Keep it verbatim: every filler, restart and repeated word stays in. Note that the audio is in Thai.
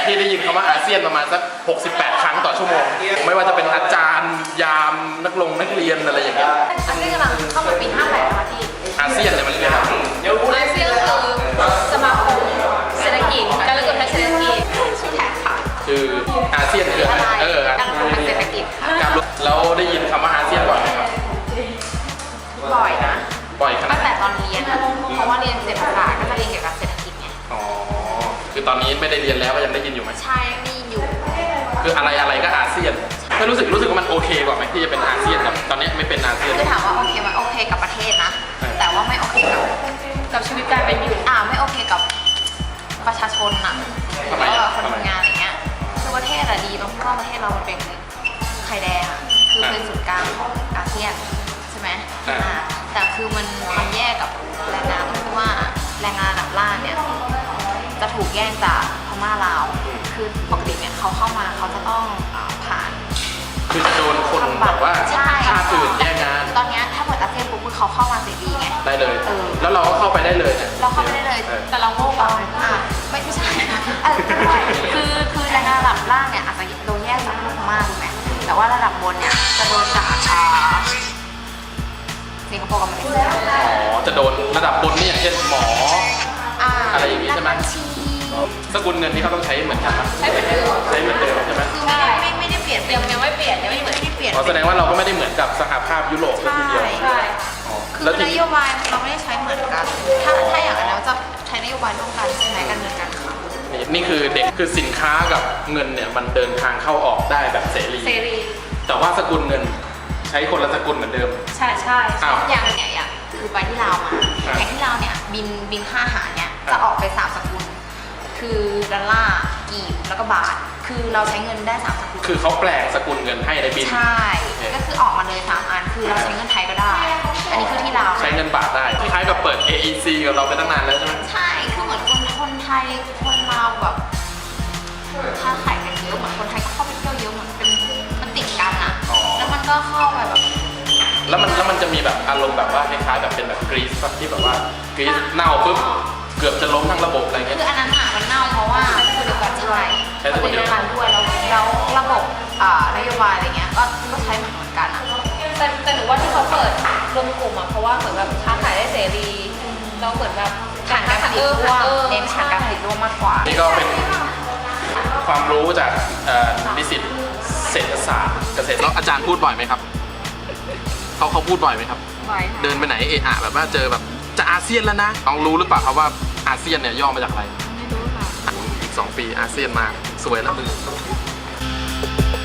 พี่ได้ยินคำว่าอาเซียนประมาณสักหกสิบแปดครั้งต่อชั่วโมงไม่ว่าจะเป็นอาจารย์ยามนักลงนักเรียนอะไรอย่างเงี้ยอาเซียนกำลังเข้ามาปีห้าแปดนะคะที่อาเซียนเนี่ยมันเรียกอะไรอาเซียนคือสมาคมเศรษฐกิจการเลือกทางเศรษฐกิจชื่อแท็กค่ะคืออาเซียนคืออะไรเออการลงทุนทางเศรษฐกิจค่ะแล้วได้ยินคำว่าอาเซียนบ่อยไหมครับบ่อยนะบ่อยขนาดตั้งแต่ตอนเรียนเพราะว่าเรียนเศรษฐศาสตร์ก็จะเรียนเกี่ยวกับเศรษฐกิจไงอ๋อคือตอนนี้ไม่ได้เรียนแล้วก็ยังได้ยินอยู่ไหมใช่มีอยู่คืออะไรอะไรก็อาเซียนไม่รู้สึกรู้สึกว่ามันโอเคกว่าไหมที่จะเป็นอาเซียนกับตอนนี้ไม่เป็นอาเซียนคือถามว่าโอเคมันโอเคกับประเทศนะแต่ว่าไม่โอเคกับกับชีวิตการเป็นอยู่อ่าไม่โอเคกับประชาชนน่ะหรือว่าคนทำงานอะไรเงี้ยคือประเทศอะดีตรงที่ว่าประเทศเรามันเป็นไข่แดงอะคือเป็นศูนย์กลางของอาเซียนใช่ไหมอ่าแต่คือมันมันแยกกับแรงงานที่ว่าแรงงานระดับล่างเนี่ยจะถูกแย่งจากพม่าลาวคือปกติเนี่ยเขาเข้ามาเขาจะต้องผ่านคือจะโดนคนแบบว่าชาติอื่นแย่งงานตอนนี้ถ้าเปิดอาเซียนปุ๊บเขาเข้ามาเสรีไงได้เลยแล้วเราก็เข้าไปได้เลยเราเข้าไปได้เลยแต่เราโง่ไปอ่ะไม่ไม่ใช่คือคือแรงงานระดับล่างเนี่ยอาจจะโดนแยกจากพม่าถูกไหมแต่ว่าระดับบนเนี่ยจะโดนจากสิงคโปร์กับมาเลเซียอ๋อจะโดนระดับบนนี่อย่างเช่นหมออะไรอย่างนี้ใช่ไหมสกุลเงินที่เขาต้องใช้เหมือนกันใช้เหมือนเดิมใช้เหมือนเดิมใช่ไหมคือไม่ไม่ไม่ได้เปลี่ยนยังยังไม่เปลี่ยนยังไม่เหมือนที่เปลี่ยนแสดงว่าเราก็ไม่ได้เหมือนกับสหภาพยุโรปทีเดียวใช่คือนโยบายเราไม่ได้ใช้เหมือนกันถ้าถ้าอย่างนั้นเราจะใช้นโยบายร่วมกันใช่ไหมกันเหมือนกันค่ะนี่คือเด็กคือสินค้ากับเงินเนี่ยมันเดินทางเข้าออกได้แบบเสรีเสรีแต่ว่าสกุลเงินใช้คนละสกุลเหมือนเดิมใช่ใช่อย่างเนี่ยอย่างคือไปที่ลาวมาอย่างที่ลาวเนี่ยบินบินค่าอาหารเนี่ยจะออกไปสามสกุลคือดอลลาร์กีบแล้วก็บาทคือเราใช้เงินได้สามสกุลคือเขาแปลงสกุลเงินให้ในบินใช่ก็คือออกมาเลยสามอันคือเราใช้เงินไทยก็ได้อันนี้คือที่ลาวใช้เงินบาทได้คล้ายกับเปิด เอ อี ซี กับเราไปตั้งนานแล้วใช่ไหมใช่คือเหมือนคนคนไทยคนลาวแบบค้าขายกันเยอะเหมือนคนไทยก็เข้าไปเที่ยวเยอะเหมือนเป็นมันติดกันอ่ะแล้วมันก็เข้าไปแบบแล้วมันแล้วมันจะมีแบบอารมณ์แบบว่าคล้ายๆแบบเป็นแบบกรีซที่แบบว่ากรีซเน่าปุ๊บเกือบจะล้มทั้งระบบอะไรเงี้ยคืออันนั้นอะมันเน่าเพราะว่าคือเดียวกันใช่มันเป็นเดียวกันด้วยแล้วแล้วระบบนโยบายอะไรเงี้ยก็ก็ใช้เหมือนเหมือนกันอะแต่แต่หนูว่าที่เขาเปิดรวมกลุ่มอะเพราะว่าเหมือนแบบค้าขายได้เสรีเราเหมือนแบบฐานการผลิตร่วมเน้นฐานการผลิตร่วมมากกว่านี่ก็เป็นความรู้จากนิสิตเศรษฐศาสตร์เกษตรแล้วอาจารย์พูดบ่อยไหมครับเขาเขาพูดบ่อยไหมครับบ่อยเดินไปไหนเอะอะแบบว่าเจอแบบจะอาเซียนแล้วนะลองรู้หรือเปล่าครับว่าอาเซียนเนี่ยย่อมาจากอะไรไม่รู้ค่ะอีกสองปีอาเซียนมาสวยแล้วมือ